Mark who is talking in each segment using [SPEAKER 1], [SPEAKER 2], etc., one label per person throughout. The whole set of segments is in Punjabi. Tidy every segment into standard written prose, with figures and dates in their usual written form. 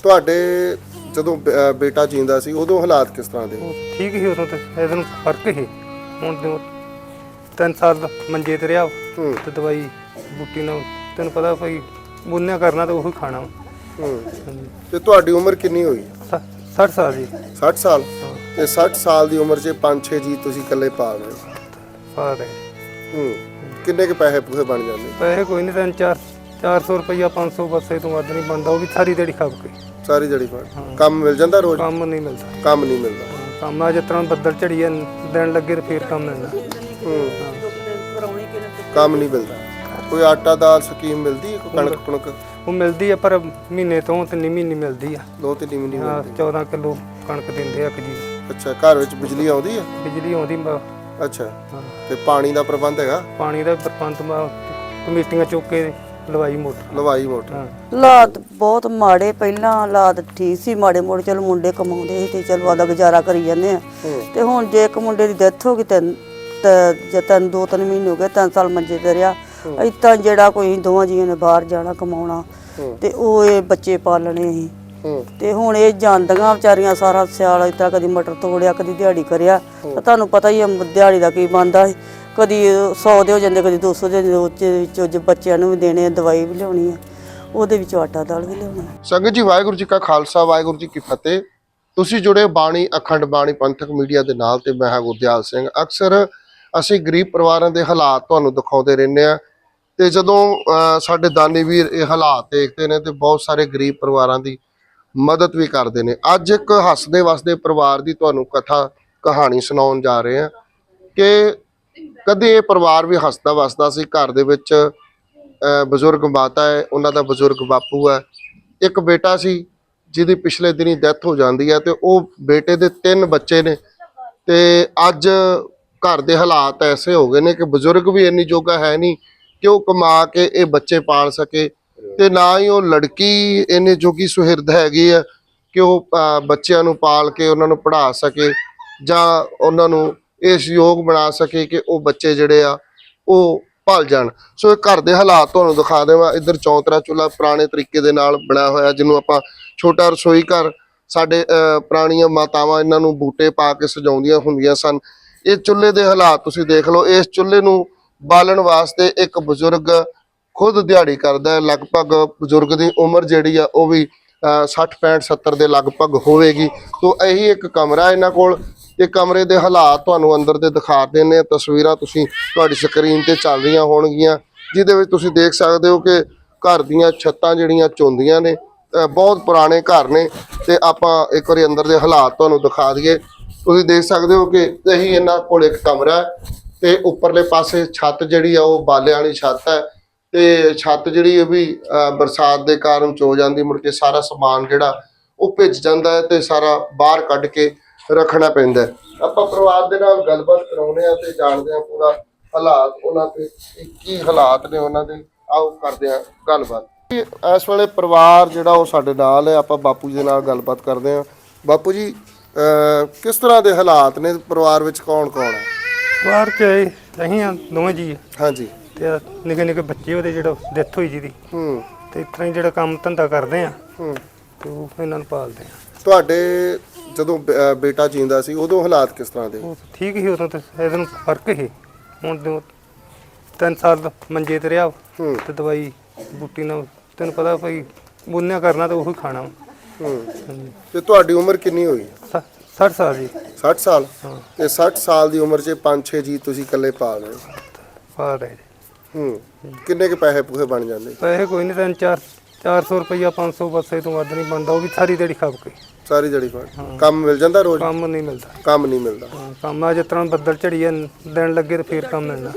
[SPEAKER 1] ਤੁਹਾਡੇ ਜਦੋਂ ਬੇਟਾ ਜੀਂਦਾ ਸੀ ਉਦੋਂ ਹਾਲਾਤ ਕਿਸ ਤਰ੍ਹਾਂ ਦੇ?
[SPEAKER 2] ਠੀਕ ਹੀ ਉਦੋਂ ਤੇ ਇਹਦੇ ਨੂੰ ਫਰਕ ਹੀ ਹੁਣ ਤੇ 3 ਸਾਲ ਮੰਜੇ ਤੇ ਰਿਹਾ ਤੇ ਦਵਾਈ ਬੂਟੀ ਨਾਲ ਤੈਨੂੰ ਪਤਾ ਭਾਈ ਬੁੰਨਿਆ ਕਰਨਾ ਤਾਂ ਉਹੀ ਖਾਣਾ।
[SPEAKER 1] ਤੇ ਤੁਹਾਡੀ ਉਮਰ ਕਿੰਨੀ ਹੋਈ?
[SPEAKER 2] 60 ਸਾਲ ਜੀ।
[SPEAKER 1] 60 ਸਾਲ? ਤੇ 60 ਸਾਲ ਦੀ ਉਮਰ 'ਚ 5-6 ਜੀ ਤੁਸੀਂ ਇਕੱਲੇ ਪਾਲ ਰਹੇ ਹੋ?
[SPEAKER 2] ਪਾਲ ਰਹੇ।
[SPEAKER 1] ਕਿੰਨੇ ਕੁ ਪੈਸੇ ਪੂਸੇ ਬਣ ਜਾਂਦੇ?
[SPEAKER 2] ਪੈਸੇ ਕੋਈ ਨਹੀਂ 300-400 ਰੁਪਈਆ 500 ਬਸ ਇਹ ਤੋਂ ਵੱਧ ਨਹੀਂ ਬਣਦਾ, ਉਹ ਵੀ ਸਾਰੀ ਦਿਹਾੜੀ ਖੱਪ ਕੇ।
[SPEAKER 1] ਸਾਰੀ ਦਿਹਾੜੀ ਫੜ ਕੰਮ ਮਿਲ ਜਾਂਦਾ ਰੋਜ਼?
[SPEAKER 2] ਕੰਮ ਨਹੀਂ ਮਿਲਦਾ।
[SPEAKER 1] ਕੰਮ ਨਹੀਂ ਮਿਲਦਾ।
[SPEAKER 2] ਕੰਮ ਆ ਜਿਸ ਤਰ੍ਹਾਂ ਬੱਦਲ ਝੜੀਏ ਦੇਣ ਲੱਗੇ ਤੇ ਫੇਰ ਕੰਮ ਮਿਲਦਾ।
[SPEAKER 1] ਕੰਮ ਨਹੀਂ ਮਿਲਦਾ। ਕੋਈ ਆਟਾ ਦਾਲ ਸਕੀਮ ਮਿਲਦੀ ਹੈ? ਕੋਈ ਕਣਕ ਕੁਣਕ?
[SPEAKER 2] ਉਹ ਮਿਲਦੀ ਆ ਪਰ ਮਹੀਨੇ ਤੋਂ 3 ਮਹੀਨੇ ਮਿਲਦੀ ਆ।
[SPEAKER 1] 2-3 ਮਹੀਨੇ ਮਿਲਦੀ?
[SPEAKER 2] 14 ਕਿਲੋ ਕਣਕ ਦਿੰਦੇ ਆ ਇੱਕ ਜੀ।
[SPEAKER 1] ਅੱਛਾ, ਘਰ ਵਿੱਚ ਬਿਜਲੀ ਆਉਂਦੀ ਹੈ?
[SPEAKER 2] ਬਿਜਲੀ ਆਉਂਦੀ।
[SPEAKER 1] ਅੱਛਾ, ਤੇ ਪਾਣੀ ਦਾ ਪ੍ਰਬੰਧ ਹੈਗਾ?
[SPEAKER 2] ਪਾਣੀ ਦਾ ਪ੍ਰਬੰਧ ਕਮੇਟੀਆਂ ਚੁੱਕ ਕੇ ਲਵਾਈ ਮੋਟਰ।
[SPEAKER 1] ਲਵਾਈ ਮੋਟਰ।
[SPEAKER 3] ਹਾਲਾਤ ਬਹੁਤ ਮਾੜੇ, ਪਹਿਲਾਂ ਹਾਲਾਤ ਠੀਕ ਸੀ, ਮਾੜੇ ਮੋੜੇ ਚਲੋ ਮੁੰਡੇ ਕਮਾਉਂਦੇ ਸੀ ਤੇ ਚਲੋ ਆਦਾ ਗੁਜ਼ਾਰਾ ਕਰੀ ਜਾਂਦੇ ਆ। ਤੇ ਹੁਣ ਜੇ ਇੱਕ ਮੁੰਡੇ ਦੀ ਡੈਥ ਹੋ ਗਈ ਤੇ 2-3 ਮਹੀਨੇ ਹੋ ਗਏ, 3 ਸਾਲ ਮੰਜੇ ਤੇ ਰਿਹਾ। ਇਤਾਂ ਜਿਹੜਾ ਕੋਈ ਦੋਵਾਂ ਜੀਆਂ ਨੇ ਬਾਹਰ ਜਾਣਾ ਕਮਾਉਣਾ ਤੇ ਉਹ ਇਹ ਬੱਚੇ ਪਾਲਣੇ ਸੀ। ਤੇ ਹੁਣ ਇਹ ਜਾਂਦੀਆਂ ਵਿਚਾਰੀਆਂ ਸਾਰਾ ਸਿਆਲ ਇਤਾਂ ਕਦੀ ਮਟਰ ਤੋੜਿਆ, ਕਦੀ ਦਿਹਾੜੀ ਕਰਿਆ। ਤੁਹਾਨੂੰ ਪਤਾ ਹੀ ਆ ਦਿਹਾੜੀ ਦਾ ਕੀ ਬਣਦਾ, ਕਦੀ 100 ਦੇ ਹੋ ਜਾਂਦੇ, ਕਦੀ 200 ਦੇ। ਵਿੱਚ ਬੱਚਿਆਂ ਨੂੰ ਵੀ ਦੇਣੇ, ਦਵਾਈ ਵੀ ਲਿਆਉਣੀ ਆ, ਉਹਦੇ ਵਿੱਚੋਂ ਆਟਾ ਦਾਲ ਵੀ ਲਿਆਉਣੀ।
[SPEAKER 1] ਸੰਗਤ ਜੀ, ਵਾਹਿਗੁਰੂ ਜੀ ਕਾ ਖਾਲਸਾ, ਵਾਹਿਗੁਰੂ ਜੀ ਕੀ ਫਤਿਹ। ਤੁਸੀਂ ਜੁੜੇ ਬਾਣੀ ਅਖੰਡ ਬਾਣੀ ਪੰਥਕ ਮੀਡੀਆ ਦੇ ਨਾਲ ਤੇ ਮੈਂ ਹਾਂ ਗੁਰਦਿਆਲ ਸਿੰਘ। ਅਕਸਰ ਅਸੀਂ ਗਰੀਬ ਪਰਿਵਾਰਾਂ ਦੇ ਹਾਲਾਤ ਤੁਹਾਨੂੰ ਦਿਖਾਉਂਦੇ ਰਹਿੰਦੇ ਆ ਤੇ ਜਦੋਂ ਸਾਡੇ ਦਾਨੀ ਵੀਰ ਇਹ ਹਾਲਾਤ ਦੇਖਦੇ ਨੇ ਤੇ ਬਹੁਤ ਸਾਰੇ ਗਰੀਬ ਪਰਿਵਾਰਾਂ ਦੀ ਮਦਦ ਵੀ ਕਰਦੇ ਨੇ। ਅੱਜ ਇੱਕ ਹੱਸਦੇ ਵਸਦੇ ਪਰਿਵਾਰ ਦੀ ਤੁਹਾਨੂੰ ਕਹਾਣੀ ਸੁਣਾਉਣ ਜਾ ਰਹੇ ਹਾਂ ਕਿ ਕਦੇ ਇਹ ਪਰਿਵਾਰ ਵੀ ਹੱਸਦਾ ਵਸਦਾ ਸੀ। ਘਰ ਦੇ ਵਿੱਚ ਬਜ਼ੁਰਗ ਮਾਤਾ ਹੈ, ਉਹਨਾਂ ਦਾ ਬਜ਼ੁਰਗ ਬਾਪੂ ਹੈ, ਇੱਕ ਬੇਟਾ ਸੀ ਜਿਹਦੀ ਪਿਛਲੇ ਦਿਨੀ ਡੈਥ ਹੋ ਜਾਂਦੀ ਹੈ ਤੇ ਉਹ ਬੇਟੇ ਦੇ 3 ਬੱਚੇ ਨੇ। ਤੇ ਅੱਜ ਘਰ ਦੇ ਹਾਲਾਤ ਐਸੇ ਹੋ ਗਏ ਨੇ ਕਿ ਬਜ਼ੁਰਗ ਵੀ ਇੰਨੀ ਜੋਗਾ ਹੈ ਨਹੀਂ ਕਿ ਉਹ ਕਮਾ ਕੇ ਇਹ ਬੱਚੇ ਪਾਲ ਸਕੇ, ਤੇ ਨਾ ਹੀ ਉਹ ਲੜਕੀ ਇੰਨੀ ਜੋਗੀ ਸੁਹਿਰਦ ਹੈਗੀ ਆ ਕਿ ਉਹ ਬੱਚਿਆਂ ਨੂੰ ਪਾਲ ਕੇ ਉਹਨਾਂ ਨੂੰ ਪੜ੍ਹਾ ਸਕੇ ਜਾਂ ਉਹਨਾਂ ਨੂੰ ਇਸ ਯੋਗ ਬਣਾ ਸਕੇ ਕਿ ਉਹ ਬੱਚੇ ਜਿਹੜੇ ਆ ਉਹ ਪਲ ਜਾਣ। ਸੋ ਇਹ ਘਰ ਦੇ ਹਾਲਾਤ ਤੁਹਾਨੂੰ ਦਿਖਾ ਦੇਵਾਂ। ਇੱਧਰ ਚੌਂਤਰਾ ਚੁੱਲ੍ਹਾ ਪੁਰਾਣੇ ਤਰੀਕੇ ਦੇ ਨਾਲ ਬਣਿਆ ਹੋਇਆ, ਜਿਹਨੂੰ ਆਪਾਂ ਛੋਟਾ ਰਸੋਈ ਘਰ, ਸਾਡੇ ਪੁਰਾਣੀਆਂ ਮਾਤਾਵਾਂ ਇਹਨਾਂ ਨੂੰ ਬੂਟੇ ਪਾ ਕੇ ਸਜਾਉਂਦੀਆਂ ਹੁੰਦੀਆਂ ਸਨ। ਇਹ ਚੁੱਲ੍ਹੇ ਦੇ ਹਾਲਾਤ ਤੁਸੀਂ ਦੇਖ ਲਓ। ਇਸ ਚੁੱਲ੍ਹੇ ਨੂੰ ਬਾਲਣ ਵਾਸਤੇ ਇੱਕ ਬਜ਼ੁਰਗ ਖੁਦ ਦਿਹਾੜੀ ਕਰਦਾ ਹੈ। ਲਗਭਗ ਬਜ਼ੁਰਗ ਦੀ ਉਮਰ ਜਿਹੜੀ ਆ ਉਹ ਵੀ 60-65-70 ਦੇ ਲਗਭਗ ਹੋਵੇਗੀ। ਤੋਂ ਇਹੀ ਇੱਕ ਕਮਰਾ ਇਹਨਾਂ ਕੋਲ। ਇਹ ਕਮਰੇ ਦੇ ਹਾਲਾਤ ਤੁਹਾਨੂੰ ਅੰਦਰ ਦੇ ਦਿਖਾ ਦਿੰਦੇ ਆ। ਤਸਵੀਰਾਂ ਤੁਸੀਂ ਤੁਹਾਡੀ ਸਕਰੀਨ ਤੇ ਚੱਲ ਰਹੀਆਂ ਹੋਣਗੀਆਂ, ਜਿਹਦੇ ਵਿੱਚ ਤੁਸੀਂ ਦੇਖ ਸਕਦੇ ਹੋ ਕਿ ਘਰ ਦੀਆਂ ਛੱਤਾਂ ਜਿਹੜੀਆਂ ਚੌਂਦੀਆਂ ਨੇ। ਬਹੁਤ ਪੁਰਾਣੇ ਘਰ ਨੇ ਤੇ ਆਪਾਂ ਇੱਕ ਵਾਰੀ ਅੰਦਰ ਦੇ ਹਾਲਾਤ ਤੁਹਾਨੂੰ ਦਿਖਾ ਦਈਏ। ਤੁਸੀਂ ਦੇਖ ਸਕਦੇ ਹੋ ਕਿ ਇਹੀ ਇਹਨਾਂ ਕੋਲ ਇੱਕ ਕਮਰਾ ਹੈ ਤੇ ਉੱਪਰਲੇ ਪਾਸੇ ਛੱਤ ਜਿਹੜੀ ਆ ਉਹ ਬਾਲਿਆਂ ਵਾਲੀ ਛੱਤ ਹੈ ਤੇ ਛੱਤ ਜਿਹੜੀ ਇਹ ਵੀ ਬਰਸਾਤ ਦੇ ਕਾਰਨ ਚੋ ਜਾਂਦੀ, ਮੁੜ ਕੇ ਸਾਰਾ ਸਮਾਨ ਜਿਹੜਾ ਉਹ ਭਿੱਜ ਜਾਂਦਾ ਹੈ ਤੇ ਸਾਰਾ ਬਾਹਰ ਕੱਢ ਕੇ ਰੱਖਣਾ ਪੈਂਦਾ। ਆਪਾਂ ਪਰਿਵਾਰ ਦੇ ਨਾਲ ਗੱਲਬਾਤ ਕਰਾਉਂਦੇ ਆ ਤੇ ਜਾਣਦੇ ਆ ਪੂਰਾ ਹਾਲਾਤ ਉਹਨਾਂ ਦੇ ਕੀ ਹਾਲਾਤ ਨੇ ਉਹਨਾਂ ਦੇ। ਆਓ ਕਰਦੇ ਆ ਗੱਲਬਾਤ। ਇਸ ਵੇਲੇ ਪਰਿਵਾਰ ਜਿਹੜਾ ਉਹ ਸਾਡੇ ਨਾਲ ਹੈ। ਆਪਾਂ ਬਾਪੂ ਜੀ ਦੇ ਨਾਲ ਗੱਲਬਾਤ ਕਰਦੇ ਆ। ਬਾਪੂ ਜੀ, ਕਿਸ ਤਰ੍ਹਾਂ ਦੇ ਹਾਲਾਤ ਨੇ ਪਰਿਵਾਰ ਵਿੱਚ? ਕੌਣ ਕੌਣ ਹੈ
[SPEAKER 2] ਪਰਿਵਾਰ 'ਚ? ਅਸੀਂ ਆ ਦੋਵੇਂ ਜੀ।
[SPEAKER 1] ਹਾਂਜੀ।
[SPEAKER 2] ਤੇ ਨਿੱਕੇ ਨਿੱਕੇ ਬੱਚੇ ਉਹਦੇ ਜਿਹੜਾ ਡੈਥ ਹੋਈ ਜਿਹਦੀ। ਤੇ ਇਸ ਤਰ੍ਹਾਂ ਹੀ ਜਿਹੜਾ ਕੰਮ ਧੰਦਾ ਕਰਦੇ ਆ ਤੇ ਉਹ ਇਹਨਾਂ ਨੂੰ ਪਾਲਦੇ ਆ।
[SPEAKER 1] ਤੁਹਾਡੇ ਜਦੋਂ ਬੇਟਾ ਜੀਂਦਾ ਸੀ ਉਦੋਂ ਹਾਲਾਤ ਕਿਸ ਤਰ੍ਹਾਂ ਦੇ?
[SPEAKER 2] ਠੀਕ ਹੀ ਉਦੋਂ ਤੇ ਇਹਦੇ ਨੂੰ ਫਰਕ ਹੀ ਹੁਣ 3 ਸਾਲ ਮੰਜੇ ਤੇ ਰਿਹਾ ਤੇ ਦਵਾਈ ਬੂਟੀ ਨਾਲ ਤੈਨੂੰ ਪਤਾ ਭਾਈ ਬੁੰਨਿਆ ਕਰਨਾ ਤਾਂ ਉਹੀ ਖਾਣਾ।
[SPEAKER 1] ਤੇ ਤੁਹਾਡੀ ਉਮਰ ਕਿੰਨੀ ਹੋਈ?
[SPEAKER 2] 60 ਸਾਲ ਜੀ।
[SPEAKER 1] 60 ਸਾਲ? ਤੇ 60 ਸਾਲ ਦੀ ਉਮਰ 'ਚ 5-6 ਜੀ ਤੁਸੀਂ ਇਕੱਲੇ ਪਾਲ ਰਹੇ ਹੋ?
[SPEAKER 2] ਪਾਲ ਰਹੇ।
[SPEAKER 1] ਕਿੰਨੇ ਕੁ ਪੈਸੇ ਪੂਸੇ ਬਣ ਜਾਂਦੇ?
[SPEAKER 2] ਪੈਸੇ ਕੋਈ ਨਹੀਂ 300-400 ਰੁਪਈਆ 500 ਬਸ ਇਹ ਤੋਂ ਵੱਧ ਨਹੀਂ ਬਣਦਾ, ਉਹ ਵੀ ਸਾਰੀ ਦਿਹਾੜੀ ਖੱਪ ਕੇ।
[SPEAKER 1] ਸਾਰੀ ਦਿਹਾੜੀ ਫੜ ਕੰਮ ਮਿਲ ਜਾਂਦਾ ਰੋਜ਼?
[SPEAKER 2] ਕੰਮ ਨਹੀਂ ਮਿਲਦਾ।
[SPEAKER 1] ਕੰਮ ਨਹੀਂ ਮਿਲਦਾ।
[SPEAKER 2] ਕੰਮ ਆ ਜਿਸ ਤਰ੍ਹਾਂ ਬੱਦਲ ਝੜੀਏ ਦੇਣ ਲੱਗੇ ਤੇ ਫੇਰ ਕੰਮ ਮਿਲਣਾ।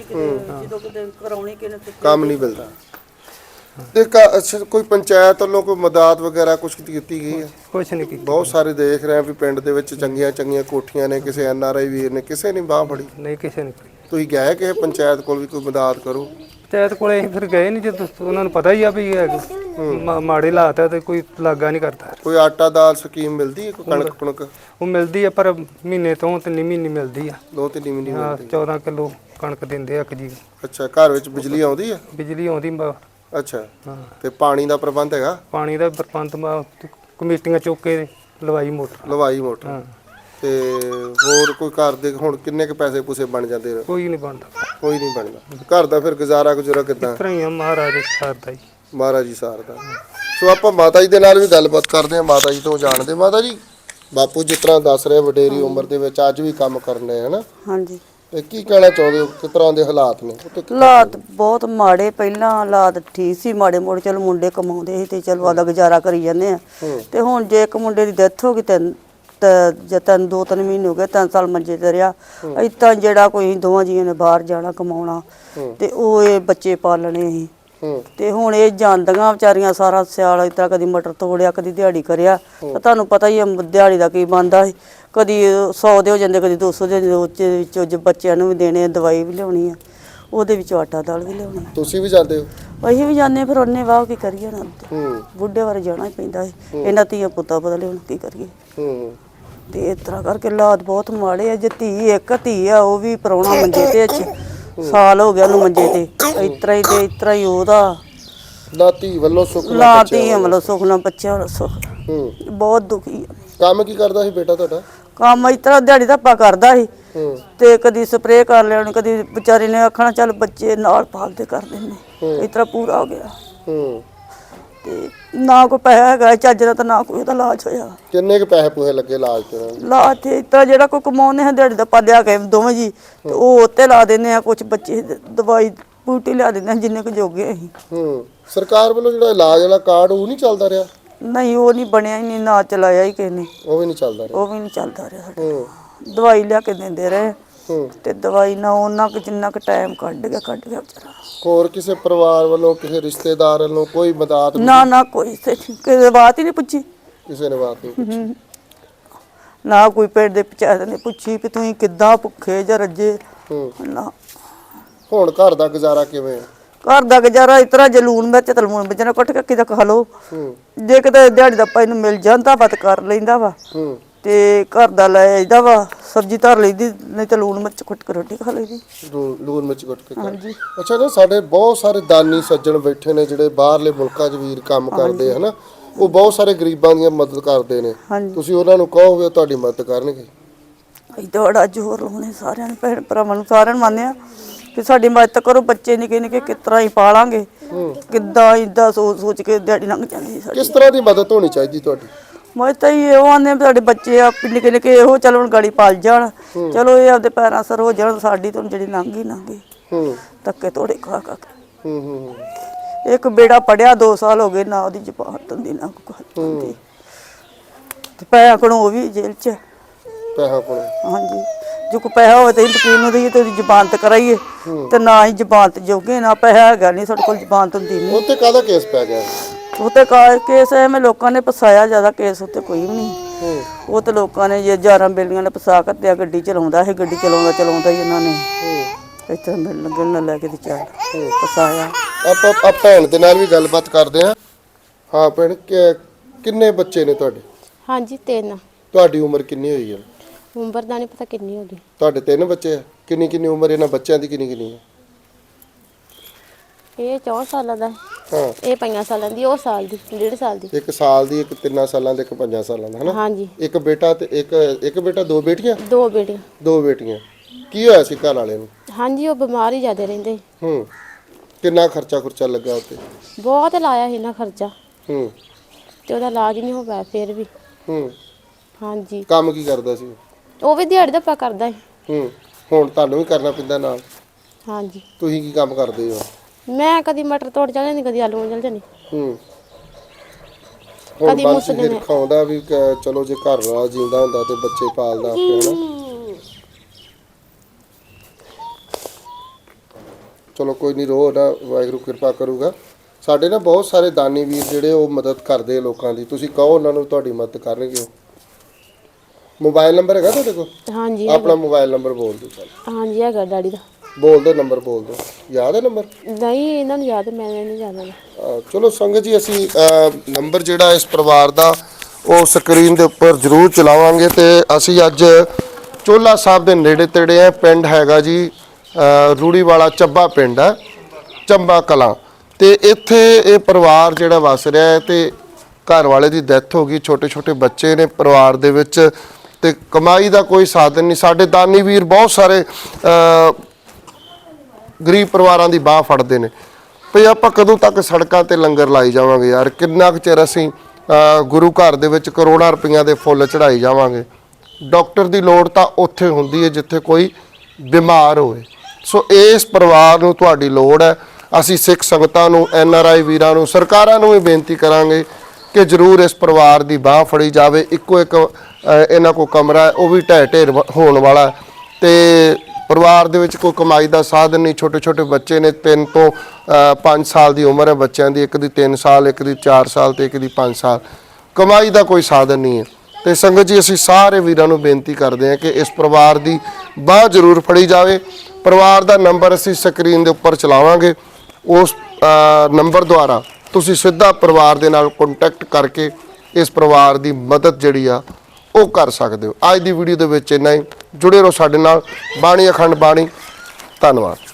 [SPEAKER 1] ਕੰਮ ਨਹੀਂ ਮਿਲਦਾ। ਤੇ ਕੋਈ ਪੰਚਾਇਤ ਵੱਲੋਂ ਕੋਈ ਮਦਦ ਵਗੈਰਾ ਕੁਝ ਕੀਤੀ ਗਈ ਹੈ?
[SPEAKER 2] ਕੁਛ ਨਹੀਂ ਕੀਤੀ।
[SPEAKER 1] ਬਹੁਤ ਸਾਰੇ ਦੇਖ ਰਹੇ ਆ ਵੀ ਪਿੰਡ ਦੇ ਵਿੱਚ ਚੰਗੀਆਂ ਕੋਠੀਆਂ ਨੇ, ਕਿਸੇ NRI ਵੀਰ ਨੇ, ਕਿਸੇ ਨੇ ਬਾਹ ਫੜੀ?
[SPEAKER 2] ਨਹੀਂ, ਕਿਸੇ ਨੇ।
[SPEAKER 1] ਤੁਸੀਂ ਗਏ ਕਿਸੇ ਪੰਚਾਇਤ ਕੋਲ ਵੀ ਕੋਈ ਮਦਦ ਕਰੋ?
[SPEAKER 2] ਪੰਚਾਇਤ ਕੋਲੇ ਅਸੀਂ ਫਿਰ ਗਏ ਨਹੀਂ, ਜਦੋਂ ਉਹਨਾਂ ਨੂੰ ਪਤਾ ਹੀ ਆ ਵੀ ਮਾੜੇ ਹਾਲਾਤ ਆ ਤੇ ਕੋਈ ਲਾਗਾ ਨਹੀਂ ਕਰਦਾ।
[SPEAKER 1] ਕੋਈ ਆਟਾ ਦਾਲ ਸਕੀਮ ਮਿਲਦੀ ਹੈ? ਕੋਈ ਕਣਕ ਕੁਣਕ?
[SPEAKER 2] ਉਹ ਮਿਲਦੀ ਆ ਪਰ ਮਹੀਨੇ ਤੋਂ 3 ਮਹੀਨੇ ਮਿਲਦੀ ਆ।
[SPEAKER 1] 2-3 ਮਹੀਨੇ ਮਿਲਦੀ?
[SPEAKER 2] 14 ਕਿਲੋ ਕਣਕ ਦਿੰਦੇ ਆ ਇੱਕ ਜੀ।
[SPEAKER 1] ਅੱਛਾ, ਘਰ ਵਿੱਚ ਬਿਜਲੀ ਆਉਂਦੀ ਹੈ?
[SPEAKER 2] ਬਿਜਲੀ ਆਉਂਦੀ।
[SPEAKER 1] ਅੱਛਾ, ਤੇ ਪਾਣੀ ਦਾ ਪ੍ਰਬੰਧ ਹੈਗਾ?
[SPEAKER 2] ਪਾਣੀ ਦਾ ਪ੍ਰਬੰਧ ਕਮੇਟੀਆਂ ਚੁੱਕ ਕੇ ਲਵਾਈ ਮੋਟਰ।
[SPEAKER 1] ਲਵਾਈ ਮੋਟਰ।
[SPEAKER 2] ਹਾਂ,
[SPEAKER 1] ਤੇ ਹੋਰ ਕੋਈ ਘਰ ਦੇ ਹੁਣ ਕਿੰਨੇ ਕ ਪੈਸੇ ਪੂਸੇ ਬਣ ਜਾਂਦੇ ਨੇ?
[SPEAKER 2] ਕੋਈ ਨਹੀਂ ਬਣਦਾ,
[SPEAKER 1] ਕੋਈ ਨਹੀਂ ਬਣਦਾ ਘਰ ਦਾ। ਫਿਰ ਗੁਜ਼ਾਰਾ ਗੁਜ਼ਰਾ ਕਿੱਦਾਂ?
[SPEAKER 2] ਇਸ ਤਰ੍ਹਾਂ ਹੀ ਆ, ਮਹਾਰਾਜ ਸਰਦਾ ਜੀ।
[SPEAKER 1] ਮਹਾਰਾਜ ਜੀ ਸਾਰਦਾ। ਸੋ ਆਪਾਂ ਮਾਤਾ ਜੀ ਦੇ ਨਾਲ ਵੀ ਗੱਲਬਾਤ ਕਰਦੇ ਹਾਂ, ਮਾਤਾ ਜੀ ਤੋਂ ਜਾਣਦੇ। ਮਾਤਾ ਜੀ, ਬਾਪੂ ਜਿਸ ਤਰ੍ਹਾਂ ਦੱਸ ਰਹੇ ਵਡੇਰੀ ਉਮਰ ਦੇ ਵਿੱਚ ਅੱਜ ਵੀ ਕੰਮ ਕਰਨੇ ਹਨਾ,
[SPEAKER 3] ਹਾਂਜੀ।
[SPEAKER 1] ਤੇ ਕੀ ਕਹਿਣਾ ਚਾਹੁੰਦੇ ਹੋ? ਕਿਸ ਤਰ੍ਹਾਂ ਦੇ ਹਾਲਾਤ ਨੇ?
[SPEAKER 3] ਹਾਲਾਤ ਬਹੁਤ ਮਾੜੇ, ਪਹਿਲਾਂ ਹਾਲਾਤ ਠੀਕ ਸੀ ਮਾੜੇ ਮੋੜੇ, ਚਲੋ ਮੁੰਡੇ ਕਮਾਉਂਦੇ ਸੀ ਤੇ ਚਲੋ ਆਦਾ ਗੁਜ਼ਾਰਾ ਕਰੀ ਜਾਂਦੇ ਆ। ਤੇ ਹੁਣ ਜੇ ਇੱਕ ਮੁੰਡੇ ਦੀ ਡੈਥ ਹੋ ਗਈ ਜਾਂ 2-3 ਮਹੀਨੇ ਹੋ ਗਏ, 3 ਸਾਲ ਮੰਜੇ ਤੇ ਰਿਹਾ। ਏਦਾਂ ਜਿਹੜਾ ਕੋਈ ਦੋਵਾਂ ਜੀਆਂ ਨੇ ਬਾਹਰ ਜਾਣਾ ਕਮਾਉਣਾ ਤੇ ਉਹ ਇਹ ਬੱਚੇ ਪਾਲਣੇ ਸੀ। ਤੇ ਹੁਣ ਇਹ ਜਾਂਦੀਆਂ ਵਿਚਾਰੀਆਂ ਸਾਰਾ ਸਿਆਲ ਇਸ ਤਰ੍ਹਾਂ ਕਦੀ ਮਟਰ ਤੋੜਿਆ, ਕਦੀ ਦਿਹਾੜੀ ਕਰਿਆ। ਤਾਂ ਤੁਹਾਨੂੰ ਪਤਾ ਹੀ ਆ ਦਿਹਾੜੀ ਦਾ ਕੀ ਬਣਦਾ ਸੀ, ਕਦੀ 100 ਦੇ ਹੋ ਜਾਂਦੇ, ਕਦੀ 200 ਦੇ ਉੱਚੇ ਵਿੱਚੋਂ ਬੱਚਿਆਂ ਨੂੰ ਵੀ ਦੇਣੇ, ਦਵਾਈ ਵੀ ਲਿਆਉਣੀ ਆ, ਉਹਦੇ ਵਿੱਚੋਂ ਆਟਾ ਦਾਲ ਵੀ ਲਿਆਉਣੀ।
[SPEAKER 1] ਤੁਸੀਂ ਵੀ ਜਾਂਦੇ ਹੋ?
[SPEAKER 3] ਅਸੀਂ ਵੀ ਜਾਂਦੇ, ਫਿਰ ਉਹਨੇ ਵਾਹ ਕੀ ਕਰੀਏ ਨਾ, ਬੁੱਢੇ ਵਾਰੇ ਜਾਣਾ ਹੀ ਪੈਂਦਾ ਸੀ। ਇਹਨਾਂ ਧੀਆਂ ਪੁੱਤਾਂ ਬਦਲੇ ਹੁਣ ਕੀ ਕਰੀਏ। ਤੇ ਇਸ ਤਰ੍ਹਾਂ ਕਰਕੇ ਹਾਲਾਤ ਬਹੁਤ ਮਾੜੇ ਆ। ਜੇ ਇੱਕ ਧੀ ਆ, ਉਹ ਵੀ ਪ੍ਰਾਹੁਣਾ ਮੰਜੇ ਤੇ ਸਾਲ ਹੋ ਗਿਆ ਉਹਨੂੰ ਮੰਜੇ ਤੇ, ਇਸ ਤਰ੍ਹਾਂ ਹੀ ਉਹਦਾ
[SPEAKER 1] ਲਾਤੀ ਵੱਲੋਂ ਸੁੱਖ ਨਾਲ
[SPEAKER 3] ਲਾਤੀ ਵੱਲੋਂ ਸੁੱਖ ਨਾਲ ਬੱਚਿਆਂ ਵੱਲੋਂ ਸੁੱਖ। ਬਹੁਤ ਦੁਖੀ ਆ।
[SPEAKER 1] ਕੰਮ ਕੀ ਕਰਦਾ ਸੀ ਬੇਟਾ ਤੁਹਾਡਾ?
[SPEAKER 3] ਕੰਮ ਇਸ ਤਰ੍ਹਾਂ ਦਿਹਾੜੀ ਧੱਪਾ ਕਰਦਾ ਸੀ ਤੇ ਕਦੀ ਸਪਰੇਅ ਕਰ ਲੈਣੀ, ਕਦੀ ਵਿਚਾਰੇ ਨੇ ਆਖਣਾ ਚੱਲ ਬੱਚੇ ਨਾਲ ਪਾਲਦੇ ਕਰ ਦਿੰਦੇ। ਇਸ ਤਰ੍ਹਾਂ ਪੂਰਾ ਹੋ ਗਿਆ। ਤੇ ਨਾ ਕੋਈ ਪੈਸਾ ਹੈਗਾ ਚੱਜ ਦਾ, ਤਾਂ ਨਾ ਕੋਈ ਉਹਦਾ ਇਲਾਜ ਹੋਇਆ।
[SPEAKER 1] ਕਿੰਨੇ ਕੁ ਪੈਸੇ ਪੂਹੇ ਲੱਗੇ ਇਲਾਜ ਤੇ?
[SPEAKER 3] ਇਲਾਜ ਤੇ ਇਸ ਤਰ੍ਹਾਂ ਜਿਹੜਾ ਕੋਈ ਕਮਾਉਂਦੇ ਹਾਂ ਦਿਹਾੜੀ ਧੱਪਾ ਲਿਆ ਕੇ ਦੋਵੇਂ ਜੀ, ਤੇ ਉਹ ਉੱਤੇ ਲਾ ਦਿੰਦੇ ਆ। ਕੁਛ ਬੱਚੇ ਦਵਾਈ ਬੂਟੀ ਲਿਆ ਦਿੰਦੇ ਆ ਜਿੰਨੇ ਕੁ ਜੋਗੇ ਅਸੀਂ।
[SPEAKER 1] ਸਰਕਾਰ ਵੱਲੋਂ ਜਿਹੜਾ ਇਲਾਜ ਵਾਲਾ ਕਾਰਡ ਉਹ ਨਹੀਂ ਚੱਲਦਾ ਰਿਹਾ?
[SPEAKER 3] ਨਹੀਂ, ਉਹ ਨਹੀਂ ਬਣਿਆ ਹੀ ਨਹੀਂ, ਨਾ ਚਲਾਇਆ ਹੀ ਕਿਸੇ ਨੇ।
[SPEAKER 1] ਉਹ ਵੀ ਨਹੀਂ ਚੱਲਦਾ ਰਿਹਾ?
[SPEAKER 3] ਉਹ ਵੀ ਨਹੀਂ ਚੱਲਦਾ ਰਿਹਾ ਸਾਡਾ। ਦਵਾਈ ਲਿਆ ਕੇ ਦਿੰਦੇ ਰਹੇ ਤੇ ਦਵਾਈ ਨਾ ਉਹਨਾਂ ਕੁ ਜਿੰਨਾ ਕੁ ਟਾਈਮ ਕੱਢ ਗਿਆ ਵਿਚਾਰਾ।
[SPEAKER 1] ਹੋਰ ਕਿਸੇ ਪਰਿਵਾਰ ਵੱਲੋਂ, ਕਿਸੇ ਰਿਸ਼ਤੇਦਾਰ ਵੱਲੋਂ ਕੋਈ ਮਦਦ?
[SPEAKER 3] ਨਾ ਕੋਈ ਕਿਸੇ ਬਾਤ ਹੀ ਨਹੀਂ ਪੁੱਛੀ,
[SPEAKER 1] ਕਿਸੇ ਨੇ ਬਾਤ ਨਹੀਂ ਪੁੱਛੀ।
[SPEAKER 3] ਨਾ ਕੋਈ ਪਿੰਡ ਦੇ ਪੰਚਾਇਤ ਨੇ ਪੁੱਛੀ ਵੀ ਤੁਸੀਂ ਕਿੱਦਾਂ ਭੁੱਖੇ ਜਾਂ ਰੱਜੇ ਨਾ।
[SPEAKER 1] ਹੁਣ ਘਰ ਦਾ ਗੁਜ਼ਾਰਾ ਕਿਵੇਂ?
[SPEAKER 3] ਘਰ ਦਾ ਗੁਜ਼ਾਰਾ ਇਸ ਤਰ੍ਹਾਂ, ਜੇ ਲੂਣ ਮਿਰਚ ਤੇ ਲੂਣ ਮਿਰਚ ਨਾਲ ਕੁੱਟ ਕੇ ਕਿਤੇ ਖਾ ਲਓ। ਜੇ ਕਿਤੇ ਦਿਹਾੜੀ ਦਾ ਇਹਨੂੰ ਮਿਲ ਜਾਂਦਾ ਵਾ ਤਾਂ ਕਰ ਲੈਂਦਾ ਵਾ, ਤੇ ਘਰ ਦਾ ਲੈ ਆਈਦਾ ਵਾ, ਸਬਜ਼ੀ ਧਰ ਲਈਦੀ, ਨਹੀਂ ਤਾਂ ਲੂਣ ਮਿਰਚ ਕੁੱਟ ਕੇ ਰੋਟੀ ਖਾ ਲਈਦੀ।
[SPEAKER 1] ਲੂਣ ਮਿਰਚ ਕੁੱਟ ਕੇ?
[SPEAKER 3] ਹਾਂਜੀ।
[SPEAKER 1] ਅੱਛਾ ਨਾ, ਸਾਡੇ ਬਹੁਤ ਸਾਰੇ ਦਾਨੀ ਸੱਜਣ ਬੈਠੇ ਨੇ ਜਿਹੜੇ ਬਾਹਰਲੇ ਮੁਲਕਾਂ 'ਚ ਵੀਰ ਕੰਮ ਕਰਦੇ ਹਨਾ, ਉਹ ਬਹੁਤ ਸਾਰੇ ਗਰੀਬਾਂ ਦੀ ਮਦਦ ਕਰਦੇ ਨੇ। ਤੁਸੀਂ ਉਹਨਾਂ ਨੂੰ ਕਹੋਗੇ ਤੁਹਾਡੀ ਮਦਦ ਕਰਨਗੇ?
[SPEAKER 3] ਅਸੀਂ ਤਾਂ ਬੜਾ ਜ਼ੋਰ ਲਾਉਣੇ ਸਾਰਿਆਂ ਨੂੰ, ਭੈਣ ਭਰਾਵਾਂ ਨੂੰ ਸਾਰਿਆਂ ਨੂੰ ਮੰਨਦੇ ਆ ਕਿ ਸਾਡੀ ਮਦਦ ਕਰੋ। ਬੱਚੇ ਨਿੱਕੇ ਨਿੱਕੇ ਕਿਸ ਤਰ੍ਹਾਂ ਹੀ ਪਾਲਾਂਗੇ, ਕਿੱਦਾਂ ਇਦਾਂ ਸੋਚ ਕੇ ਦਿਹਾੜੀ ਲੰਘ ਜਾਂਦੀ ਸਾਡੀ।
[SPEAKER 1] ਕਿਸ ਤਰ੍ਹਾਂ ਦੀ ਮਦਦ ਹੋਣੀ ਚਾਹੀਦੀ ਤੁਹਾਡੀ?
[SPEAKER 3] ਮੈਂ ਤਾਂ ਇਹੋ ਆਂਦੇ ਸਾਡੇ ਬੱਚੇ ਆ ਨਿੱਕੇ ਨਿੱਕੇ, ਇਹੋ ਚਲੋ ਹੁਣ ਗਾੜੀ ਪਲ ਜਾਣ, ਚਲੋ ਇਹ ਆਪਦੇ ਪੈਰਾਂ ਸਰ ਹੋ ਜਾਣ। ਸਾਡੀ ਤਾਂ ਜਿਹੜੀ ਲੰਘੀ ਧੱਕੇ ਤੋੜੇ ਖਾ ਕੇ। ਇੱਕ ਬੇੜਾ ਪੜਿਆ 2 ਸਾਲ ਹੋ ਗਏ, ਨਾ ਉਹਦੀ ਜ਼ਬਾਨ ਹੁੰਦੀ ਨਾ ਕੋਈ, ਤੇ ਪੈਸਾ ਕੋਲੋਂ ਉਹ ਵੀ ਜੇਲ੍ਹ 'ਚ।
[SPEAKER 1] ਪੈਸਾ ਕੋਲ?
[SPEAKER 3] ਹਾਂਜੀ। ਜੋ ਕੋਈ ਪੈਸਾ ਹੋਵੇ ਤਾਂ ਵਕੀਲ ਨੂੰ ਦਈਏ ਤੇ ਉਹਦੀ ਜ਼ਬਾਨਤ ਕਰਾਈਏ, ਤੇ ਨਾ ਹੀ ਜ਼ਬਾਨਤ ਜੋਗੇ, ਨਾ ਪੈਸਾ ਹੈਗਾ ਨਹੀਂ ਸਾਡੇ ਕੋਲ, ਜ਼ਬਾਨਤ ਹੁੰਦੀ ਨਹੀਂ।
[SPEAKER 1] ਉੱਤੇ ਕਾਹਦਾ ਕੇਸ ਪੈ ਗਿਆ?
[SPEAKER 3] ਉੱਤੇ ਕੇਸ ਐਵੇਂ ਲੋਕਾਂ ਨੇ ਫਸਾਇਆ, ਜ਼ਿਆਦਾ ਕੇਸ ਉੱਤੇ ਕੋਈ ਵੀ ਨਹੀਂ। ਉਹ ਤੇ ਲੋਕਾਂ ਨੇ ਜੇ 11 ਬੇਲੀਆਂ ਨੇ ਫਸਾ ਕੱਤਿਆ। ਗੱਡੀ ਚਲਾਉਂਦਾ ਸੀ, ਗੱਡੀ ਚਲਾਉਂਦਾ ਹੀ ਇਹਨਾਂ ਨੇ ਇੱਥੇ ਮਿਲਣ ਲੱਗੇ ਨਾ ਲੈ ਕੇ ਤੇ ਚੱਲ ਫਸਾਇਆ।
[SPEAKER 1] ਆਪਾਂ ਭੈਣ ਦੇ ਨਾਲ ਵੀ ਗੱਲਬਾਤ ਕਰਦੇ ਹਾਂ। ਹਾਂ ਭੈਣ, ਕਿੰਨੇ ਬੱਚੇ ਨੇ ਤੁਹਾਡੇ?
[SPEAKER 4] ਹਾਂਜੀ 3।
[SPEAKER 1] ਤੁਹਾਡੀ ਉਮਰ ਕਿੰਨੀ ਹੋਈ ਹੈ?
[SPEAKER 4] ਉਮਰ ਦਾ ਨਹੀਂ ਪਤਾ ਕਿੰਨੀ ਹੋ ਗਈ।
[SPEAKER 1] ਤੁਹਾਡੇ 3 ਬੱਚੇ ਆ? ਕਿੰਨੀ ਉਮਰ ਇਹਨਾਂ ਬੱਚਿਆਂ ਦੀ ਕਿੰਨੀ ਹੈ?
[SPEAKER 4] ਇਹ 4 ਸਾਲਾਂ ਦਾ,
[SPEAKER 1] ਹਾਂ।
[SPEAKER 4] ਇਹ 5 ਸਾਲਾਂ ਦੀ, ਉਹ ਸਾਲ ਦੀ, 1.5 ਸਾਲ ਦੀ।
[SPEAKER 1] 1 ਸਾਲ ਦੀ, ਇੱਕ 3 ਸਾਲਾਂ ਦੇ, ਇੱਕ 5 ਸਾਲਾਂ ਦਾ ਹਨਾ?
[SPEAKER 4] ਹਾਂਜੀ।
[SPEAKER 1] ਇੱਕ ਬੇਟਾ ਤੇ ਇੱਕ ਬੇਟਾ, 2 ਬੇਟੀਆਂ?
[SPEAKER 4] 2 ਬੇਟੀਆਂ।
[SPEAKER 1] 2 ਬੇਟੀਆਂ। ਕੀ ਹੋਇਆ ਸੀ ਘਰ ਵਾਲੇ ਨੂੰ?
[SPEAKER 4] ਹਾਂਜੀ, ਉਹ ਬਿਮਾਰ ਹੀ ਜ਼ਿਆਦਾ ਰਹਿੰਦੇ।
[SPEAKER 1] ਕਿੰਨਾ ਖਰਚਾ ਲੱਗਾ ਉੱਤੇ?
[SPEAKER 4] ਬਹੁਤ ਲਾਇਆ ਸੀ ਨਾ ਖਰਚਾ,
[SPEAKER 1] ਤੇ
[SPEAKER 4] ਉਹਦਾ ਇਲਾਜ ਨਹੀਂ ਹੋ ਪਾਇਆ ਫਿਰ ਵੀ। ਹਾਂਜੀ।
[SPEAKER 1] ਕੰਮ ਕੀ ਕਰਦਾ ਸੀ
[SPEAKER 4] ਉਹ ਵੀ ਦਿਹਾੜੀ ਧੱਪਾ ਕਰਦਾ ਸੀ।
[SPEAKER 1] ਹੁਣ ਤੁਹਾਨੂੰ ਵੀ ਕਰਨਾ ਪੈਂਦਾ ਨਾਲ?
[SPEAKER 4] ਹਾਂਜੀ।
[SPEAKER 1] ਤੁਸੀਂ ਕੀ ਕੰਮ ਕਰਦੇ ਹੋ?
[SPEAKER 4] ਮੈਂ ਕਦੀ ਮਟਰ ਤੋੜ ਚਲ ਜਾਂਦੀ, ਕਦੀ ਆਲੂ ਚਲ ਜਾਂਦੀ।
[SPEAKER 1] ਕਦੀ ਮੁਸਲੇ ਖਾਉਂਦਾ ਵੀ ਚਲੋ, ਜੇ ਘਰ ਵਾਲਾ ਜਿੰਦਾ ਹੁੰਦਾ ਤੇ ਬੱਚੇ ਪਾਲਦਾ ਆਪੇ ਹਨਾ। ਚਲੋ ਕੋਈ ਨਹੀਂ, ਰੋ ਨਾ, ਵਾਹਿਗੁਰੂ ਕਿਰਪਾ ਕਰੂਗਾ। ਸਾਡੇ ਨਾ ਬਹੁਤ ਸਾਰੇ ਦਾਨੀ ਵੀਰ ਜਿਹੜੇ ਉਹ ਮਦਦ ਕਰਦੇ ਲੋਕਾਂ ਦੀ, ਤੁਸੀਂ ਕਹੋ ਉਹਨਾਂ ਨੂੰ, ਤੁਹਾਡੀ ਮਦਦ ਕਰਨਗੇ। ਮੋਬਾਈਲ ਨੰਬਰ ਹੈਗਾ ਤੁਹਾਡੇ ਕੋਲ?
[SPEAKER 4] ਹਾਂਜੀ।
[SPEAKER 1] ਆਪਣਾ ਮੋਬਾਈਲ ਨੰਬਰ ਬੋਲ ਦਿਓ। ਚੱਲ
[SPEAKER 4] ਹਾਂਜੀ ਹੈਗਾ ਡੈਡੀ ਦਾ।
[SPEAKER 1] ਬੋਲ ਦਿਓ, ਨੰਬਰ ਬੋਲ ਦਿਓ। ਯਾਦ ਹੈ ਨੰਬਰ?
[SPEAKER 4] ਨਹੀਂ, ਇਹਨਾਂ ਨੂੰ ਯਾਦ, ਮੈਂ ਨਹੀਂ ਜਾਣਦਾ।
[SPEAKER 1] ਚਲੋ ਸੰਗਤ ਜੀ, ਅਸੀਂ ਨੰਬਰ ਜਿਹੜਾ ਇਸ ਪਰਿਵਾਰ ਦਾ ਉਹ ਸਕਰੀਨ ਦੇ ਉੱਪਰ ਜ਼ਰੂਰ ਚਲਾਵਾਂਗੇ। ਤੇ ਅਸੀਂ ਅੱਜ ਚੋਲਾ ਸਾਹਿਬ ਦੇ ਨੇੜੇ ਤੇੜੇ ਆ। ਪਿੰਡ ਹੈਗਾ ਜੀ ਰੂੜੀ ਵਾਲਾ, ਚੱਬਾ ਪਿੰਡ ਹੈ, ਚੰਬਾ ਕਲਾਂ। ਤੇ ਇੱਥੇ ਇਹ ਪਰਿਵਾਰ ਜਿਹੜਾ ਵਸ ਰਿਹਾ ਹੈ, ਤੇ ਘਰ ਵਾਲੇ ਦੀ ਡੈਥ ਹੋ ਗਈ, ਛੋਟੇ ਛੋਟੇ ਬੱਚੇ ਨੇ ਪਰਿਵਾਰ ਦੇ ਵਿੱਚ ਤੇ ਕਮਾਈ ਦਾ ਕੋਈ ਸਾਧਨ ਨਹੀਂ। ਸਾਡੇ ਦਾਨੀ ਵੀਰ ਬਹੁਤ ਸਾਰੇ ਗਰੀਬ ਪਰਿਵਾਰਾਂ ਦੀ ਬਾਹ ਫੜਦੇ ਨੇ ਭਈ ਆਪਾਂ ਕਦੋਂ ਤੱਕ ਸੜਕਾਂ ਤੇ ਲੰਗਰ ਲਾਈ ਜਾਵਾਂਗੇ ਯਾਰ, ਕਿੰਨਾ ਕੁ ਚਿਰ ਅਸੀਂ ਗੁਰੂ ਘਰ ਦੇ ਵਿੱਚ ਕਰੋੜਾਂ ਰੁਪਈਆਂ ਦੇ ਫੁੱਲ ਚੜਾਈ ਜਾਵਾਂਗੇ। ਡਾਕਟਰ ਦੀ ਲੋੜ ਤਾਂ ਉੱਥੇ ਹੁੰਦੀ ਹੈ ਜਿੱਥੇ ਕੋਈ ਬਿਮਾਰ ਹੋਵੇ। ਸੋ ਇਸ ਪਰਿਵਾਰ ਨੂੰ ਤੁਹਾਡੀ ਲੋੜ ਹੈ। ਅਸੀਂ ਸਿੱਖ ਸੰਗਤਾਂ ਨੂੰ, NRI ਵੀਰਾਂ ਨੂੰ, ਸਰਕਾਰਾਂ ਨੂੰ ਵੀ ਬੇਨਤੀ ਕਰਾਂਗੇ ਕਿ ਜ਼ਰੂਰ ਇਸ ਪਰਿਵਾਰ ਦੀ ਬਾਹ ਫੜੀ ਜਾਵੇ। ਇੱਕੋ ਇੱਕ ਇਹਨਾਂ ਕੋਲ ਕਮਰਾ ਹੈ, ਉਹ ਵੀ ਢਹਿ ਢੇਰ ਹੋਣ ਵਾਲਾ ਤੇ ਪਰਿਵਾਰ ਦੇ ਵਿੱਚ ਕੋਈ ਕਮਾਈ ਦਾ ਸਾਧਨ ਨਹੀਂ। ਛੋਟੇ ਛੋਟੇ ਬੱਚੇ ਨੇ, 3 ਤੋਂ 5 ਸਾਲ ਦੀ ਉਮਰ ਹੈ ਬੱਚਿਆਂ ਦੀ, ਇੱਕ ਦੀ 3 ਸਾਲ, ਇੱਕ ਦੀ 4 ਸਾਲ ਤੇ ਇੱਕ ਦੀ 5 ਸਾਲ। ਕਮਾਈ ਦਾ ਕੋਈ ਸਾਧਨ ਨਹੀਂ ਹੈ। ਤੇ ਸੰਗਤ ਜੀ, ਅਸੀਂ ਸਾਰੇ ਵੀਰਾਂ ਨੂੰ ਬੇਨਤੀ ਕਰਦੇ ਹਾਂ ਕਿ ਇਸ ਪਰਿਵਾਰ ਦੀ ਬਾਹ ਜ਼ਰੂਰ ਫੜੀ ਜਾਵੇ। ਪਰਿਵਾਰ ਦਾ ਨੰਬਰ ਅਸੀਂ ਸਕਰੀਨ ਦੇ ਉੱਪਰ ਚਲਾਵਾਂਗੇ, ਉਸ ਨੰਬਰ ਦੁਆਰਾ ਤੁਸੀਂ ਸਿੱਧਾ ਪਰਿਵਾਰ ਦੇ ਨਾਲ ਕੰਟੈਕਟ ਕਰਕੇ ਇਸ ਪਰਿਵਾਰ ਦੀ ਮਦਦ ਜਿਹੜੀ ਆ ਉਹ ਕਰ ਸਕਦੇ ਹੋ। ਅੱਜ ਦੀ ਵੀਡੀਓ ਦੇ ਵਿੱਚ ਇੰਨਾ ਹੀ। ਜੁੜੇ ਰਹੋ ਸਾਡੇ ਨਾਲ। ਬਾਣੀ ਅਖੰਡ ਬਾਣੀ। ਧੰਨਵਾਦ।